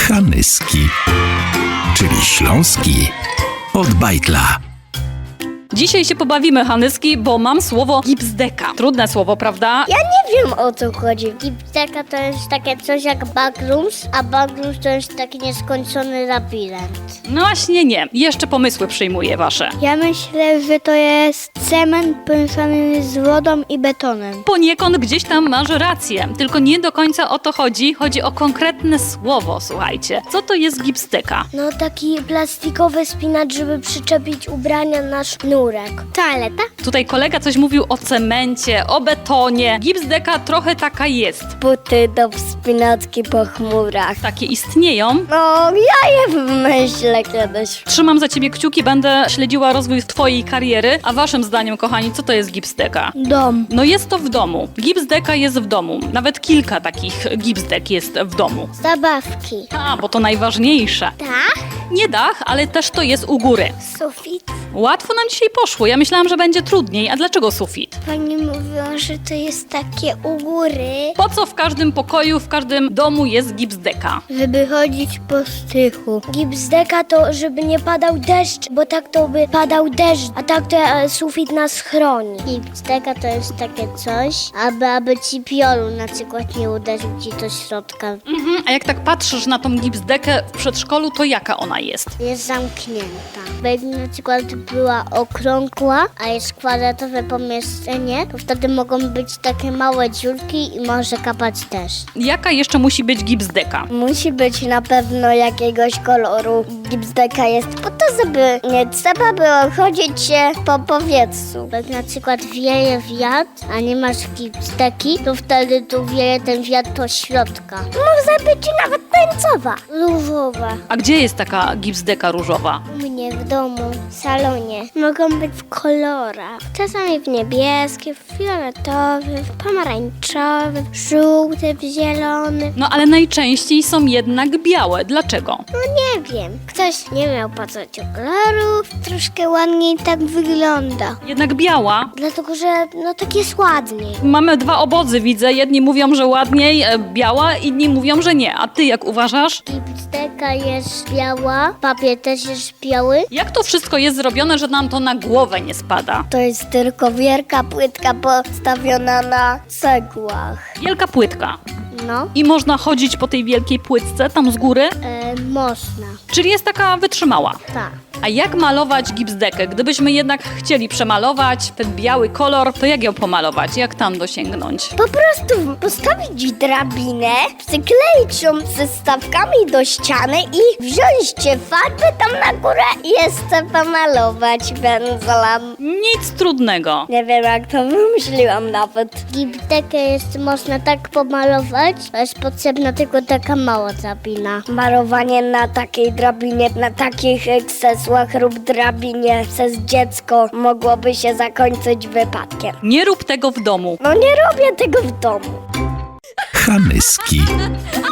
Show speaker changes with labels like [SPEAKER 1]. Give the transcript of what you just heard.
[SPEAKER 1] Hanyski, czyli śląski od bajtla.
[SPEAKER 2] Dzisiaj się pobawimy, Hanyski, bo mam słowo gipsdeka. Trudne słowo, prawda?
[SPEAKER 3] Ja nie wiem, o co chodzi. Gipsdeka to jest takie coś jak backrooms, a backrooms to jest taki nieskończony labirynt.
[SPEAKER 2] No właśnie nie. Jeszcze pomysły przyjmuję wasze.
[SPEAKER 3] Ja myślę, że to jest cement pomieszany z wodą i betonem.
[SPEAKER 2] Poniekąd gdzieś tam masz rację, tylko nie do końca o to chodzi. Chodzi o konkretne słowo, słuchajcie. Co to jest gipsdeka?
[SPEAKER 3] No taki plastikowy spinacz, żeby przyczepić ubrania na sznurek. Toaleta?
[SPEAKER 2] Tutaj kolega coś mówił o cemencie, o betonie. Gipsdeka trochę taka jest.
[SPEAKER 3] Buty do wspinaczki po chmurach.
[SPEAKER 2] Takie istnieją.
[SPEAKER 3] No, ja je wymyślę kiedyś.
[SPEAKER 2] Trzymam za ciebie kciuki, będę śledziła rozwój twojej kariery. A waszym zdaniem, kochani, co to jest gipsdeka?
[SPEAKER 3] Dom.
[SPEAKER 2] No jest to w domu. Gipsdeka jest w domu. Nawet kilka takich gipsdek jest w domu.
[SPEAKER 3] Zabawki.
[SPEAKER 2] A, bo to najważniejsze.
[SPEAKER 3] Tak?
[SPEAKER 2] Nie dach, ale też to jest u góry.
[SPEAKER 3] Sufit.
[SPEAKER 2] Łatwo nam dzisiaj poszło. Ja myślałam, że będzie trudniej. A dlaczego sufit?
[SPEAKER 3] Pani mówiła, że to jest takie u góry.
[SPEAKER 2] Po co w każdym pokoju, w każdym domu jest gipsdeka?
[SPEAKER 3] Żeby chodzić po stychu. Gipsdeka to, żeby nie padał deszcz, bo tak to by padał deszcz, a tak to sufit nas chroni. Gipsdeka to jest takie coś, aby ci piorun na przykład nie uderzył ci do środka.
[SPEAKER 2] A jak tak patrzysz na tą gipsdekę w przedszkolu, to jaka ona jest?
[SPEAKER 3] Jest zamknięta. Bo jakby na przykład była okrągła, a jest kwadratowe pomieszczenie, to wtedy mogą być takie małe dziurki i może kapać deszcz.
[SPEAKER 2] Jaka jeszcze musi być gipsdeka?
[SPEAKER 3] Musi być na pewno jakiegoś koloru. Gipsdeka jest po to, żeby nie trzeba było chodzić się po powietrzu. Jak na przykład wieje wiatr, a nie masz gipsdeki, to wtedy tu wieje ten wiatr do środka. Może być nawet tańcowa. Różowa.
[SPEAKER 2] A gdzie jest taka gipsdeka różowa?
[SPEAKER 3] U mnie w domu, w salonie. Mogą być w kolorach. Czasami w niebieskie, w fioletowy, w pomarańczowy, w żółty, w zielony.
[SPEAKER 2] No ale najczęściej są jednak białe. Dlaczego?
[SPEAKER 3] No nie wiem. Ktoś nie miał po co kolorów. Troszkę ładniej tak wygląda.
[SPEAKER 2] Jednak biała.
[SPEAKER 3] Dlatego, że no tak jest ładniej.
[SPEAKER 2] Mamy dwa obozy, widzę. Jedni mówią, że ładniej biała, inni mówią, że nie. A ty jak uważasz?
[SPEAKER 3] Gipsdeka jest biała, papier też jest biały.
[SPEAKER 2] Jak to wszystko jest zrobione, że nam to na głowę nie spada?
[SPEAKER 3] To jest tylko wielka płytka postawiona na cegłach.
[SPEAKER 2] Wielka płytka.
[SPEAKER 3] No,
[SPEAKER 2] I można chodzić po tej wielkiej płytce tam z góry?
[SPEAKER 3] można.
[SPEAKER 2] Czyli jest taka wytrzymała.
[SPEAKER 3] Tak.
[SPEAKER 2] A jak malować gipsdekę? Gdybyśmy jednak chcieli przemalować ten biały kolor, to jak ją pomalować? Jak tam dosięgnąć?
[SPEAKER 3] Po prostu postawić drabinę, przykleić ją zestawkami do ściany i wziąć farbę tam na górę i jeszcze pomalować pędzlem.
[SPEAKER 2] Nic trudnego.
[SPEAKER 3] Nie wiem, jak to wymyśliłam nawet. Gipsdekę można tak pomalować, a jest potrzebna tylko taka mała drabina. Malowanie na takiej drabinie, na takich krzesłach lub drabinie przez dziecko mogłoby się zakończyć wypadkiem.
[SPEAKER 2] Nie rób tego w domu.
[SPEAKER 3] No nie robię tego w domu.
[SPEAKER 1] Hanyski,